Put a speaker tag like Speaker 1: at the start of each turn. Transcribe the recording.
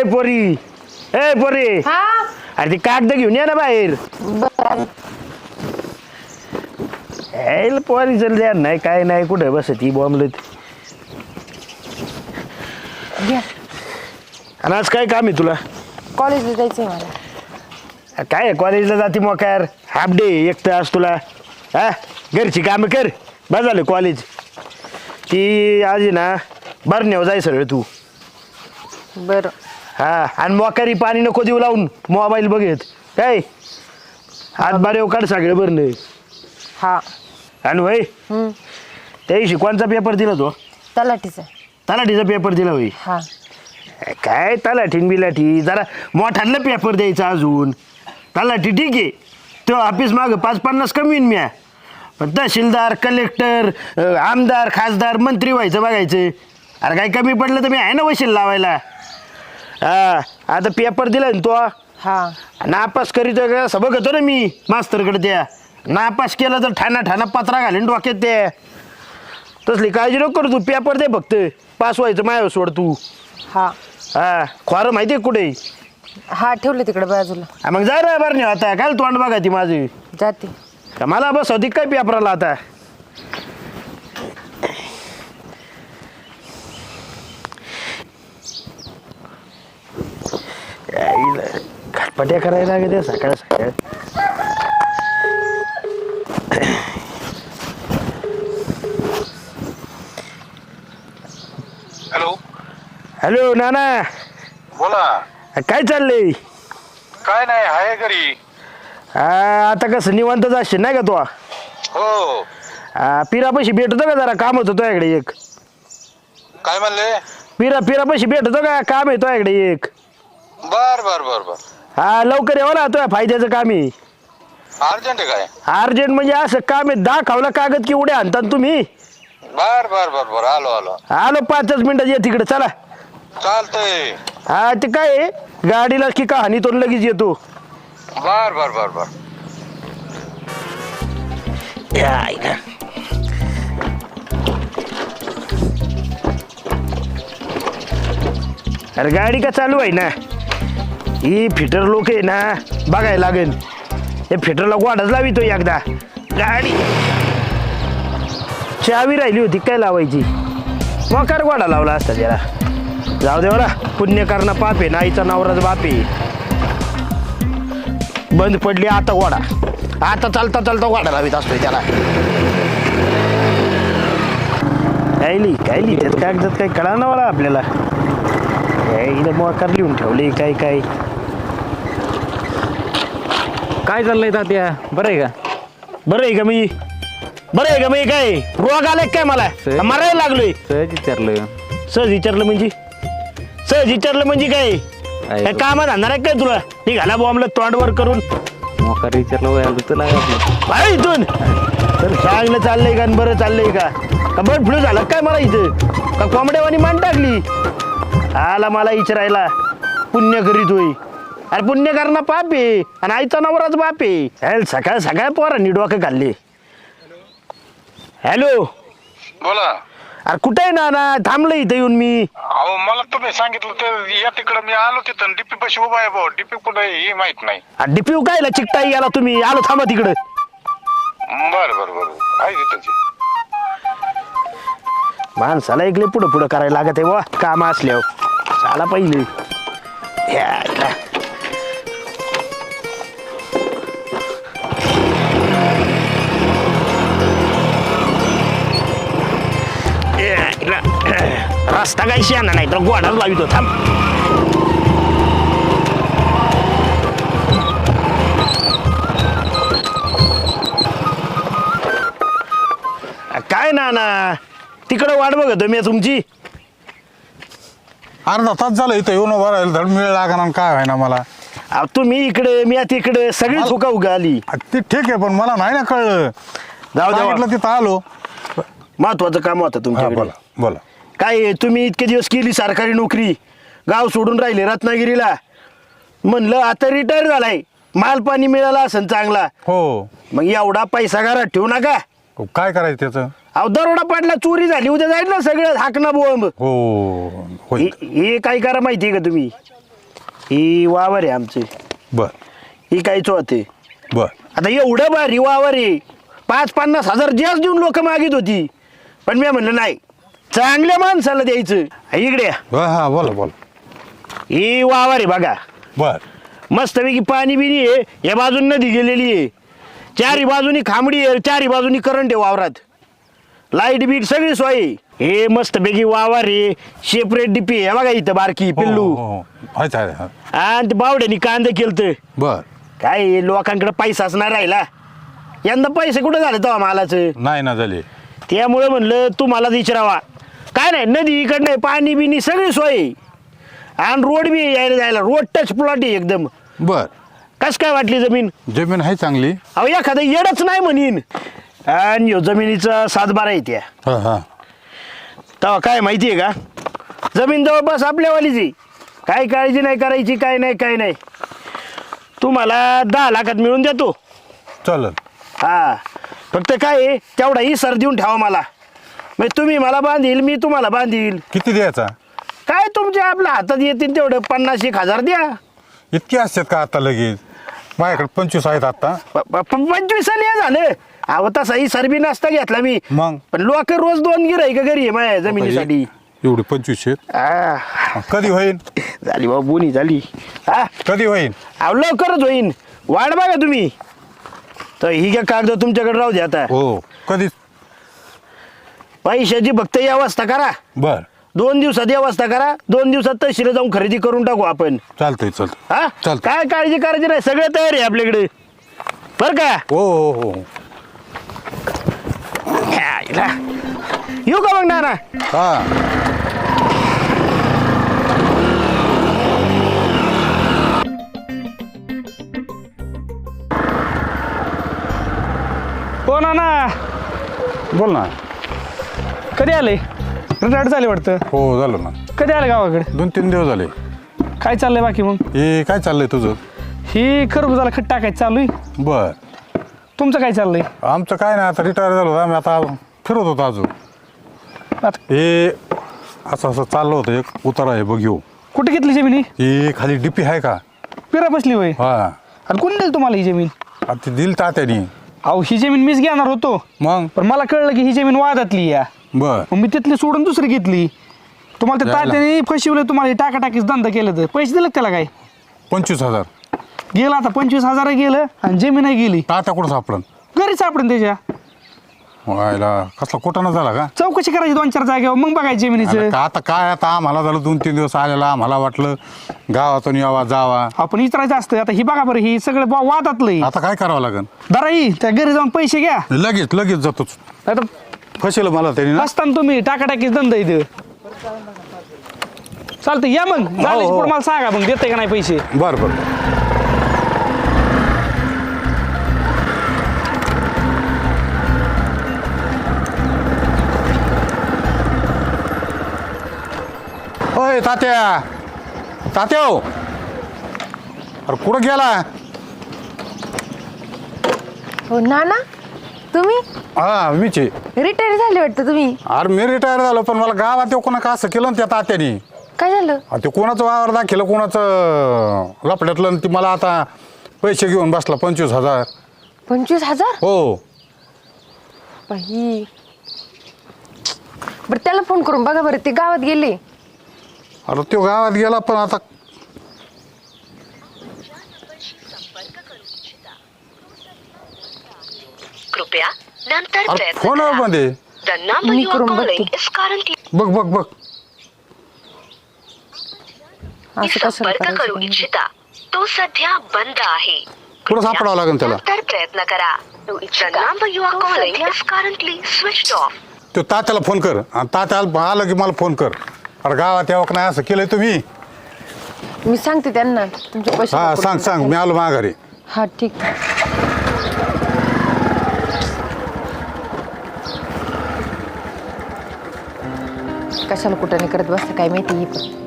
Speaker 1: पोरी
Speaker 2: हा
Speaker 1: अरे ती कागद घेऊन या ना बाहेर. पोरी चल द्या नाही काय नाही कुठे बस ती बॉम्बलेत.
Speaker 2: घ्या.
Speaker 1: आणि आज काय काम आहे तुला?
Speaker 2: कॉलेजला जायचंय मला.
Speaker 1: काय कॉलेजला जाते मोकार हाफ डे एक तास तुला. हा घरची कामं कर बस झालं कॉलेज. ती आज आहे ना बरण्यावर जाय सगळं तू.
Speaker 2: बरं.
Speaker 1: हा आणि मोकारी पाणी नको देऊ लावून मोबाईल बघत काय हात बारे काढ सगळं बरं.
Speaker 2: हा.
Speaker 1: आणि होय त्या दिवशी कोणचा पेपर दिला तो? तलाठीचा पेपर दिला होई.
Speaker 2: हा.
Speaker 1: काय तलाठीन बिलाठी जरा मोठ्याला पेपर द्यायचा अजून. तलाठी ठीक आहे तो ऑफिस मागं 5-50 कमी येईन म्या. पण तहसीलदार कलेक्टर आमदार खासदार मंत्री व्हायचं बघायचं. अरे काय कमी पडलं तर मी आहे ना वशील लावायला. हा आता पेपर दिला ना तो.
Speaker 2: हा.
Speaker 1: नापास करीत असं बघतो ना मी मास्तरकडे. त्या नापास केलं तर ठाणा पत्रा घालीन डोक्यात. त्या तसली काळजी नको करू तू. पेपर दे फक्त पास व्हायचं मायावर सोड तू.
Speaker 2: हा.
Speaker 1: हा खोरं माहिती आहे कुठे?
Speaker 2: हा ठेवलं तिकडे बाजूला.
Speaker 1: मग जा रे बरं नाही आता काय तोंड बघा ती माझी.
Speaker 2: जाते.
Speaker 1: का मला बस होती काय पेपराला आता. खटपट्या करायला लागते सकाळ सकाळ. हॅलो नाना
Speaker 3: बोला.
Speaker 1: काय चाललंय?
Speaker 3: काय नाही आहे घरी.
Speaker 1: आता कसं निवांत जाशील नाही का तू?
Speaker 3: हो.
Speaker 1: पिरापाशी भेटतो का जरा काम होतं तुझ्याकडे एक?
Speaker 3: काय म्हणले?
Speaker 1: पिरापाशी भेटतो का काम आहे तुझ्याकडे एक?
Speaker 3: बर बर बर बर.
Speaker 1: हा लवकर येऊ ना तुझ्या फायद्याचं काम आहे.
Speaker 3: अर्जंट आहे काय?
Speaker 1: अर्जंट म्हणजे असं काम आहे दाखवला कागद की उड्या आणतात तुम्ही.
Speaker 3: बर बर बर बर आलो आलो
Speaker 1: आलो 5 मिनिटात ये तिकडे चला.
Speaker 3: चालतंय.
Speaker 1: हा ते काय आहे, गाडीला की का हानी तो लगेच येतो.
Speaker 3: बर बर बर बर.
Speaker 1: अरे गाडी का चालू आहे ना. ही फिटर लोक आहे ना बघायला लागेल. हे फिटरला गोडाच लावितो एकदा. गाडी चावी राहिली होती काय लावायची. मोकार गोडा लावला असता त्याला. जाऊ दे बरा पुण्य करणं पाप आहे. नाईचा नवराच बाप आहे. बंद पडली आता गोडा. आता चालता चालता गोडा लावित असतोय त्याला. काय त्यात कागदात काही कळा ना मला आपल्याला. इथं मोकार लिहून ठेवले काय
Speaker 4: चाललंय तात्या? बरं आहे का?
Speaker 1: बरं आहे का मी काय रोग आलाय काय मला मारायला लागलोय? सहज विचारलं म्हणजे काय कामात आणणार आहे काय तुला? निघाला बॉम्बला तोंडवर करून
Speaker 4: मोकार विचारलं तुला
Speaker 1: इथून तर चांगलं चाललंय का? बरं चाललंय का बर्ड फ्लू झाला काय मला इथं? का कोंबड्यावानी मान टाकली? आला मला विचारायला पुण्य करीत होई. अरे पुण्य करणं पाप आहे आणि आईचा नवराच बाप आहे. सकाळ पोरांनी डोकं खाल्ले. हॅलो
Speaker 3: बोला.
Speaker 1: अरे कुठे आहे ना थांबलं इथं येऊन मी.
Speaker 3: अहो मला तुम्ही सांगितलं ते या तिकडं मी आलो तिथं डीपी पाशी उभा आहे भाऊ. डीपी कुठं आहे हे माहित नाही.
Speaker 1: डिप्यू कायला चिकटाई गेला तुम्ही? आलो थांबा तिकडं.
Speaker 3: बर बर बर आहे तिथं.
Speaker 1: माणसाला ऐकले पुढं करायला लागत आहे वा काम असल्यावर. चाला पहिले रस्ता काही शाना नाही तर गोडाच लावितो थांब. काय ना तिकडं वाट बघतो मी तुमची.
Speaker 5: अर्धा तास झालं इथं येऊन उभं राहिलं धड मिळ लागणार काय व्हायना मला.
Speaker 1: तुम्ही इकडे मी तिकडे सगळी चुका उगाली.
Speaker 5: ते ठीक आहे पण मला नाही ना कळलं. सांगितलं तिथं आलो.
Speaker 1: महत्वाचं काम होतं तुमच्याकडे.
Speaker 5: बोला.
Speaker 1: काय तुम्ही इतके दिवस केली सरकारी नोकरी गाव सोडून राहिले रत्नागिरीला. म्हणलं आता रिटायर झालाय माल पाणी मिळाला असेल चांगला.
Speaker 5: हो.
Speaker 1: मग एवढा पैसा घरात ठेवू नका.
Speaker 5: काय करायचं त्याचं?
Speaker 1: अहो दरोडा पडला चोरी झाली उद्या जाईल ना सगळं हाकणं बोंब.
Speaker 5: हो.
Speaker 1: हे काय करा माहितीये का तुम्ही? ही वावर आहे आमचे,
Speaker 5: बर
Speaker 1: ही काहीच होते.
Speaker 5: बर
Speaker 1: आता एवढं भारी वावर आहे, 50-50 हजार जास्त देऊन लोक मागित होती, पण मी म्हणलं नाही, चांगल्या माणसाला द्यायचं. इकडे या.
Speaker 5: हा बोला बोला.
Speaker 1: ही वावर आहे बघा,
Speaker 5: बर
Speaker 1: मस्तपैकी पाणी बिनी आहे, या बाजून नदी गेलेली आहे, चारी बाजूनी खांबडी आहे, चारी बाजूनी करंट आहे वावरात, लाईट बीट सगळी सोय आहे. हे मस्तपैकी वावर आहे, सेपरेट डिपी आहे बघा इथं बारकी पिल्लू.
Speaker 5: अच्छा अच्छा.
Speaker 1: आणि ते बावड्यानी कांदे केलतं.
Speaker 5: बर
Speaker 1: काय आहे, लोकांकडे पैसाच नाही राहिला, यंदा पैसे कुठं झाले तेव्हा मालाचं.
Speaker 5: नाही ना झाले.
Speaker 1: त्यामुळे म्हणलं तुम्हाला विचारावा. काय नाही, नदी इकडं नाही, पाणी बिनी सगळी सोय आहे. आणि रोड बी यायला जायला, रोड टच प्लॉट आहे एकदम.
Speaker 5: बर
Speaker 1: कस काय वाटली जमीन?
Speaker 5: जमीन आहे चांगली.
Speaker 1: अहो एखादं येडच नाही म्हणीन. आणि ह्यो जमिनीचा 7-12 आहे त्या.
Speaker 5: हा हा.
Speaker 1: तेव्हा काय माहिती आहे का, जमीन जवळपास आपल्यावालीच आहे, काय काळजी नाही करायची, काय नाही. तुम्हाला 10 लाखात मिळून देतो.
Speaker 5: चालेल.
Speaker 1: हा, फक्त काय आहे, तेवढा सर देऊन ठेवा मला, मग तुम्ही मला बांधील, मी तुम्हाला बांधील.
Speaker 5: किती द्यायचा?
Speaker 1: काय तुमच्या आपल्या हातात येतील तेवढं 50-1 हजार द्या.
Speaker 5: इतके असतात का आता लगेच? माझ्याकडे 25 आहेत आता.
Speaker 1: 25 हे झालं. अहो तसा सरबी नसता घेतला मी,
Speaker 5: मग
Speaker 1: पण लोक रोज 2 गिऱ्हाईक घरी आहे माझ्या जमिनीसाठी.
Speaker 5: एवढे 25 आहेत.
Speaker 1: आ,
Speaker 5: कधी होईल?
Speaker 1: झाली बाबा, बोनी झाली. हा,
Speaker 5: कधी होईल?
Speaker 1: अहो लवकरच होईन, वाट बघा तुम्ही. तर ही काय कागद तुमच्याकडे राहू द्या आता.
Speaker 5: हो कधी?
Speaker 1: पैशाची फक्त व्यवस्था करा,
Speaker 5: बर
Speaker 1: 2 दिवसात व्यवस्था करा, 2 दिवसात तहसील जाऊन खरेदी करून टाकू आपण.
Speaker 5: चालतंय
Speaker 1: हा,
Speaker 5: चालतंय.
Speaker 1: काय काळजी करायची नाही, सगळं तयार आहे आपल्याकडे बरं का.
Speaker 5: हो.
Speaker 1: यायला. येऊ का मग नाना?
Speaker 5: हा
Speaker 6: हो ना,
Speaker 5: बोल ना.
Speaker 6: कधी आले? रिटायर्ड झाले वाटतं.
Speaker 5: हो झालं ना.
Speaker 6: कधी आले गावाकडे?
Speaker 5: 2-3 दिवस झाले.
Speaker 6: काय चाललंय बाकी मग?
Speaker 5: हे काय चाललंय तुझं?
Speaker 6: ही खरबुजाला खत टाकायचं चालू आहे.
Speaker 5: बर.
Speaker 6: तुमचं काय चाललंय?
Speaker 5: आमचं काय नाही, आता रिटायर झालो, आम्ही आता फिरत होतो अजून.
Speaker 6: आता
Speaker 5: हे असं चाललं होतं, एक उतारा आहे बघ येऊ.
Speaker 6: कुठे घेतली जमीन?
Speaker 5: ही खाली डिपी आहे का?
Speaker 6: पिरा बसली होय.
Speaker 5: हा.
Speaker 6: आणि कोण दिली तुम्हाला ही जमीन?
Speaker 5: आता ती दिल तात्यानी.
Speaker 6: अहो ही जमीन मीच घेणार होतो,
Speaker 5: मग
Speaker 6: पण मला कळलं की ही जमीन वादातली या,
Speaker 5: बर
Speaker 6: मग मी तिथली सोडून दुसरी घेतली. तुम्हाला त्या
Speaker 5: यायला.
Speaker 6: तात्याने फसवलं, तुम्हाला हे टाकाटाकीच धंदा केलं, तर पैसे दिले का त्याला? काय
Speaker 5: 25,000.
Speaker 6: गेलं आता 25,000 गेलं आणि जमीनही गेली.
Speaker 5: तात्या कुठं सापडन?
Speaker 6: घरी सापडून त्याच्या.
Speaker 5: व्हायला कसला कोटाना झाला का?
Speaker 6: चौकशी करायची 2-4 जागेवर, मग बघायची जमिनीचं.
Speaker 5: अरे का आता काय, आता आम्हाला झालं 2-3 दिवस आलेला, आम्हाला वाटलं गावातून यावा जावा.
Speaker 6: आपण विचारायचं असतं. आता ही बघा बरं, ही सगळं वादातलं.
Speaker 5: आता काय करावं लागेल?
Speaker 6: दराई त्या घरी जाऊन पैसे घ्या.
Speaker 5: लगेच जातोच.
Speaker 6: आता
Speaker 5: फसेल मला त्यांनी ना.
Speaker 6: असताना तुम्ही टाकाटाकीच धंदा इथं. चालतं, या मग झाल्याची पुढं मला सांगा, मग देते का नाही पैसे.
Speaker 5: बर ओय तात्या हो. अरे कुठं गेला?
Speaker 2: हो नाना, तुम्ही
Speaker 5: हा मीच आहे.
Speaker 2: रिटायर झाले वाटतं तुम्ही.
Speaker 5: अरे मी रिटायर झालो, पण मला गावात येऊ कोणा का असं केलं ना त्या तात्यानी.
Speaker 2: काय झालं?
Speaker 5: ते कोणाचं वावर दाखिलं, कोणाचं लपड्यातलं, आणि ती मला आता पैसे घेऊन बसला 25,000.
Speaker 2: 25,000?
Speaker 5: हो.
Speaker 2: बाई, बरं त्याला फोन करून बघा बरं, ते गावात गेले.
Speaker 5: अरे तो गावात गेला, पण आता
Speaker 7: कृपया नंतर
Speaker 5: अरे
Speaker 7: प्रयत्न
Speaker 5: फोन
Speaker 7: करा.
Speaker 5: मध्ये
Speaker 7: The number
Speaker 2: me
Speaker 7: you are
Speaker 2: करून
Speaker 7: calling
Speaker 2: बघते.
Speaker 7: is currently
Speaker 5: बघ
Speaker 2: असं कशाला
Speaker 7: संपर्क करू
Speaker 2: करायचं?
Speaker 7: इच्छिता तो सध्या बंद आहे.
Speaker 5: कुठं सापडावं लागेल त्याला?
Speaker 7: नंतर प्रयत्न करा. The number you are calling is currently switched off.
Speaker 5: तो तात्याला फोन कर, आणि तात्याला आलं की मला फोन कर. अरे गावात यावं का नाही असं केलंय तुम्ही?
Speaker 2: मी सांगते त्यांना तुमचे पैसे
Speaker 5: हा
Speaker 2: लवकर
Speaker 5: सांग मी आलो माघारी.
Speaker 2: हा ठीक. कशाला कुठं नाही करत बसतं काय माहिती.